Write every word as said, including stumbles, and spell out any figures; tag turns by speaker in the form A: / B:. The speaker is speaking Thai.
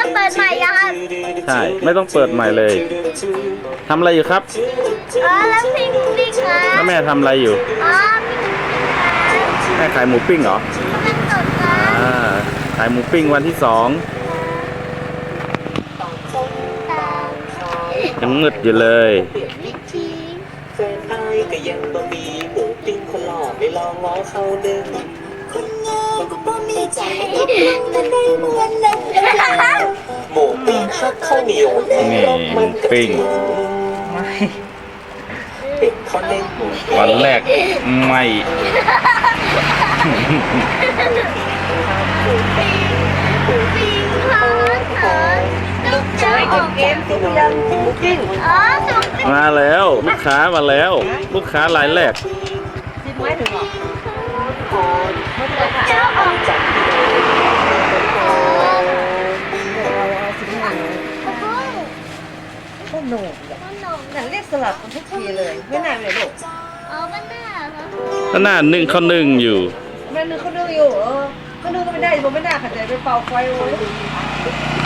A: เปิดใหม่ยังครับ
B: ใช่ไม่ต้องเปิดใหม่เลยทำอะไรอยู่ครับ
A: อ๋อแล้วพิงพิงครับ
B: แล้วแม่ทำอะไรอยู่
A: อ๋อพิงพิงครับ
B: แม่ขายหมูปิ้งเหรอ
A: เป็นสดครับ
B: อ่าขายหมูปิ้งวันที่สอง
A: ตามสาย
B: ยังมืดอยู่เลย
A: วิธี
C: แฟนอายก็ยังบ่มีหมูปิ้งคนหล่อไม่ลองง้อเขาเดิม
D: คนงามก็บ่มีใจก็เพิ่งมาได้เหมือนนั้น
C: หมูปิ้งฮักข้าวเหนียว
B: นี่หมูปิ้ง
C: เป็นข้าวเล่นหมู
B: วันแรกไม่
A: พิงครับเออลูกเจ้าออกเกม
C: ที่นอนหมูปิ้ง
A: อ๋อสุกพิง
B: มาแล้วลูกค้ามาแล้ว ลูกค้ารายแรก
A: เจ้าออก
C: จาก
A: โอ้โห
E: ขนม
A: ขนม
E: นั่นเรียกสลัดมันทุกทีเลยไม่นานเลยลูก
A: อ๋อบ้านหน้าครับ
B: ก็หน้านึ่งข้าวนึ่งอยู่
E: แม่นึกเขานึ่งอยู่เออเขานึ่งก็ไม่ได้ผมไม่ได้ขัดใจไปเป่าไฟโอ้ย